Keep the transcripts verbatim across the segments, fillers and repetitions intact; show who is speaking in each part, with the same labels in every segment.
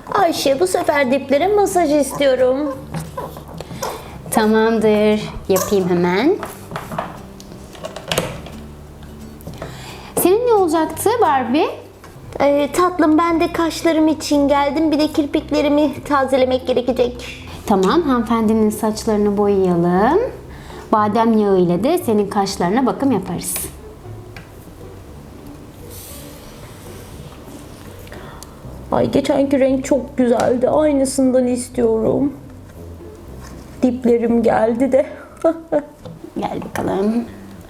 Speaker 1: Ayşe, bu sefer diplere masaj istiyorum.
Speaker 2: Tamamdır. Yapayım hemen. Senin ne olacaktı Barbie?
Speaker 1: Ee, tatlım, ben de kaşlarım için geldim. Bir de kirpiklerimi tazelemek gerekecek.
Speaker 2: Tamam, hanımefendinin saçlarını boyayalım. Badem yağı ile de senin kaşlarına bakım yaparız.
Speaker 1: Ay, geçenki renk çok güzeldi. Aynısından istiyorum. Diplerim geldi de.
Speaker 2: Gel bakalım.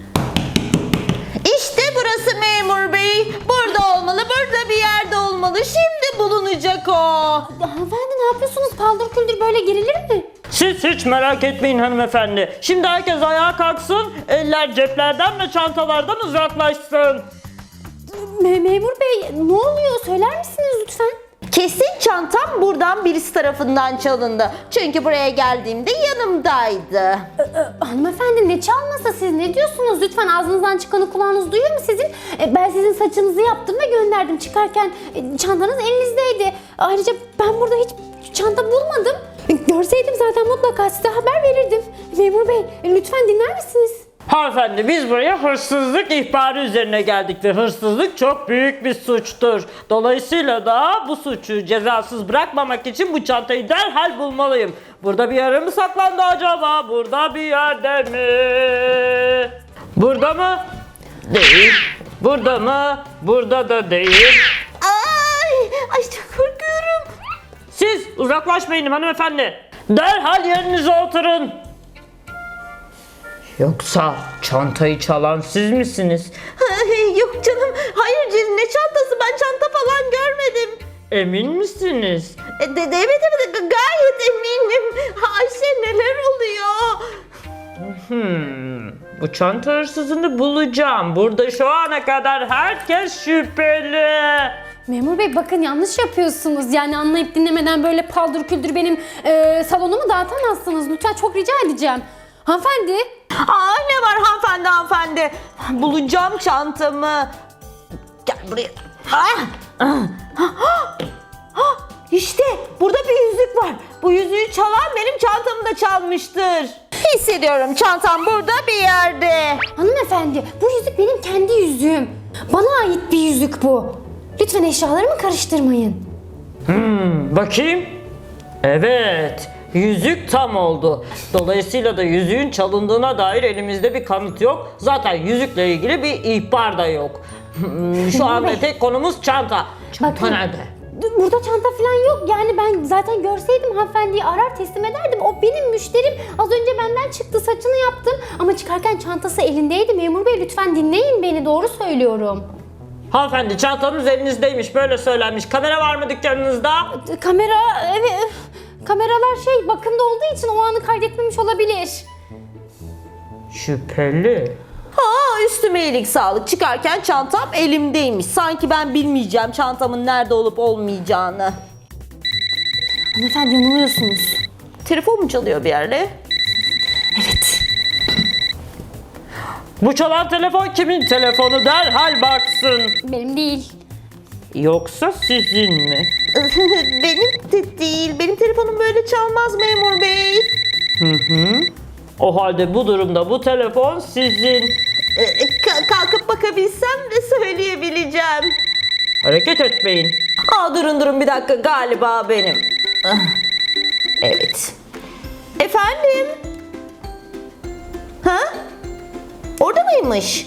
Speaker 1: İşte burası memur bey. Burada olmalı, burada bir yerde olmalı. Şimdi bulunacak o.
Speaker 2: Hanımefendi ne yapıyorsunuz? Paldır küldür böyle girilir mi?
Speaker 3: Siz hiç merak etmeyin hanımefendi. Şimdi herkes ayağa kalksın, eller ceplerden ve çantalardan uzaklaşsın.
Speaker 2: Me- Memur bey ne oluyor? Söyler misiniz lütfen?
Speaker 1: Kesin çantam buradan birisi tarafından çalındı. Çünkü buraya geldiğimde yanımdaydı.
Speaker 2: Ee, hanımefendi ne çalmasa, siz ne diyorsunuz? Lütfen ağzınızdan çıkanı kulağınız duyuyor mu sizin? Ee, ben sizin saçınızı yaptım ve gönderdim. Çıkarken e, çantanız elinizdeydi. Ayrıca ben burada hiç çanta bulmadım. E, Görseydim zaten mutlaka size haber verirdim. Memur bey e, lütfen dinler misiniz?
Speaker 3: Hanımefendi, biz buraya hırsızlık ihbarı üzerine geldik ve hırsızlık çok büyük bir suçtur. Dolayısıyla da bu suçu cezasız bırakmamak için bu çantayı derhal bulmalıyım. Burada bir yere mi saklandı acaba? Burada bir yerde mi? Burada mı? Değil. Burada mı? Burada da değil.
Speaker 1: Ay, ay çok korkuyorum.
Speaker 3: Siz uzaklaşmayın hanımefendi. Derhal yerinize oturun. Yoksa çantayı çalan siz misiniz?
Speaker 1: Ay, yok canım. Hayır canım, ne çantası? Ben çanta falan görmedim.
Speaker 3: Emin misiniz?
Speaker 1: E, de, de, evet evet gayet eminim. Ayşe, neler oluyor?
Speaker 3: Hmm, bu çanta hırsızını bulacağım. Burada şu ana kadar herkes şüpheli.
Speaker 2: Memur bey bakın yanlış yapıyorsunuz. Yani anlayıp dinlemeden böyle paldır küldür benim e, salonumu dağıtamazsınız. Lütfen çok rica edeceğim. Hanımefendi.
Speaker 1: Aa, ne var hanımefendi hanımefendi? Bulacağım çantamı. Gel buraya. Ah! Ah! Ah! Ah! İşte burada bir yüzük var. Bu yüzüğü çalan benim çantamı da çalmıştır. Hissediyorum, çantam burada bir yerde.
Speaker 2: Hanımefendi bu yüzük benim kendi yüzüğüm. Bana ait bir yüzük bu. Lütfen eşyalarımı karıştırmayın.
Speaker 3: Hmm, bakayım. Evet, yüzük tam oldu. Dolayısıyla da yüzüğün çalındığına dair elimizde bir kanıt yok. Zaten yüzükle ilgili bir ihbar da yok. Hmm, Şu anda tek konumuz çanta. Çanta
Speaker 2: Bakın.
Speaker 3: nerede?
Speaker 2: Burada çanta falan yok. Yani ben zaten görseydim hanımefendiyi arar teslim ederdim. O benim müşterim. Az önce benden çıktı, saçını yaptım. Ama çıkarken çantası elindeydi. Memur bey lütfen dinleyin beni. Doğru söylüyorum.
Speaker 3: Hanımefendi, çantanız elinizdeymiş, böyle söylenmiş. Kamera var mı dükkanınızda?
Speaker 2: Kamera, evet. Kameralar şey bakımda olduğu için o anı kaydetmemiş olabilir.
Speaker 3: Şüpheli.
Speaker 1: Ha, üstüme iyilik sağlık. Çıkarken çantam elimdeymiş. Sanki ben bilmeyeceğim çantamın nerede olup olmayacağını.
Speaker 2: Hanımefendi yanılıyorsunuz.
Speaker 1: Telefon mu çalıyor bir yerde?
Speaker 2: Evet.
Speaker 3: Bu çalan telefon kimin telefonu, derhal baksın.
Speaker 2: Benim değil.
Speaker 3: Yoksa sizin mi?
Speaker 1: Benim de değil. Benim telefonum böyle çalmaz memur bey.
Speaker 3: Hı hı. O halde bu durumda bu telefon sizin.
Speaker 1: Ee, ka- kalkıp bakabilsem de söyleyebileceğim.
Speaker 3: Hareket etmeyin.
Speaker 1: Aa, durun durun bir dakika, galiba benim. Ah, evet. Efendim? Ha? Orada mıymış?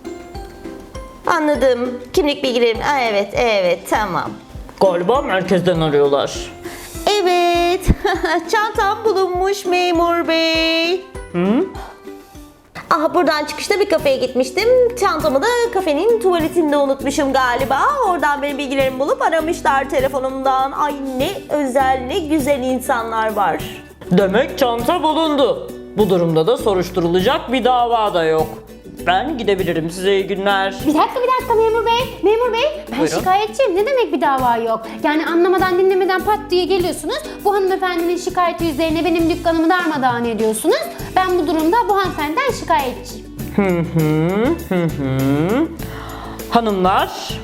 Speaker 1: Anladım. Kimlik bilgilerim. Aa, evet evet tamam.
Speaker 3: Galiba merkezden arıyorlar.
Speaker 1: Evet. Çantam bulunmuş memur bey.
Speaker 3: Hı?
Speaker 1: Ah, buradan çıkışta bir kafeye gitmiştim. Çantamı da kafenin tuvaletinde unutmuşum galiba. Oradan benim bilgilerimi bulup aramışlar telefonumdan. Ay, ne özel, ne güzel insanlar var.
Speaker 3: Demek çanta bulundu. Bu durumda da soruşturulacak bir dava da yok. Ben gidebilirim, size iyi günler.
Speaker 2: Bir dakika bir dakika memur bey. Memur bey ben
Speaker 3: Buyurun.
Speaker 2: şikayetçiyim. Ne demek bir dava yok? Yani anlamadan dinlemeden pat diye geliyorsunuz. Bu hanımefendinin şikayeti üzerine benim dükkanımı darmadağın ediyorsunuz. Ben bu durumda bu hanımefendiden şikayetçiyim.
Speaker 3: Hı hı hı hı. Hanımlar,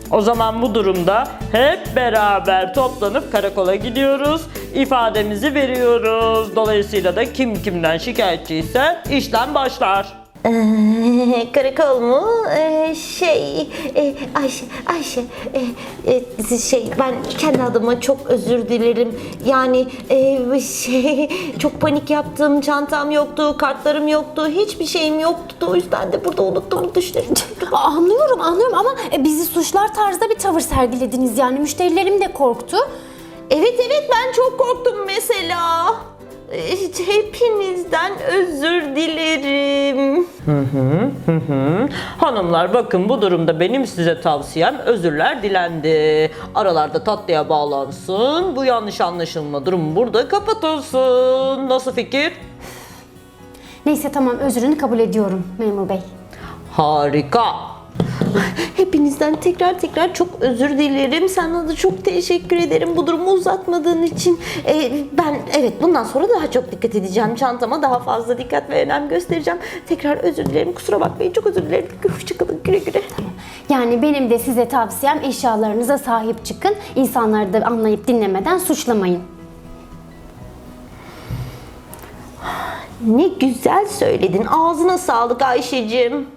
Speaker 3: O zaman bu durumda hep beraber toplanıp karakola gidiyoruz. İfademizi veriyoruz. Dolayısıyla da kim kimden şikayetçiyse işlem başlar.
Speaker 1: Ee, karakol mu? Ee, şey, e, Ayşe, Ayşe, e, e, şey, ben kendi adıma çok özür dilerim. Yani e, şey, çok panik yaptım, çantam yoktu, kartlarım yoktu, hiçbir şeyim yoktu. O yüzden de burada unuttuğumu düşünüyorum.
Speaker 2: Aa, Anlıyorum anlıyorum ama e, bizi suçlar tarzda bir tavır sergilediniz yani müşterilerim de korktu.
Speaker 1: Evet evet, ben çok korktum mesela. Ee, Hepinizden özür dilerim.
Speaker 3: Hanımlar bakın, bu durumda benim size tavsiyem özürler dilendi. Aralarda tatlıya bağlansın. Bu yanlış anlaşılma durumu burada kapatılsın. Nasıl fikir?
Speaker 2: Neyse tamam, özrünü kabul ediyorum memur bey.
Speaker 3: Harika.
Speaker 1: Hepinizden tekrar tekrar çok özür dilerim. Sana da çok teşekkür ederim bu durumu uzatmadığın için. Ee, ben evet bundan sonra daha çok dikkat edeceğim. Çantama daha fazla dikkat ve önem göstereceğim. Tekrar özür dilerim. Kusura bakmayın. Çok özür dilerim. Hoşçakalın. Güle güle.
Speaker 2: Yani benim de size tavsiyem eşyalarınıza sahip çıkın. İnsanları da anlayıp dinlemeden suçlamayın.
Speaker 1: Ne güzel söyledin. Ağzına sağlık Ayşeciğim.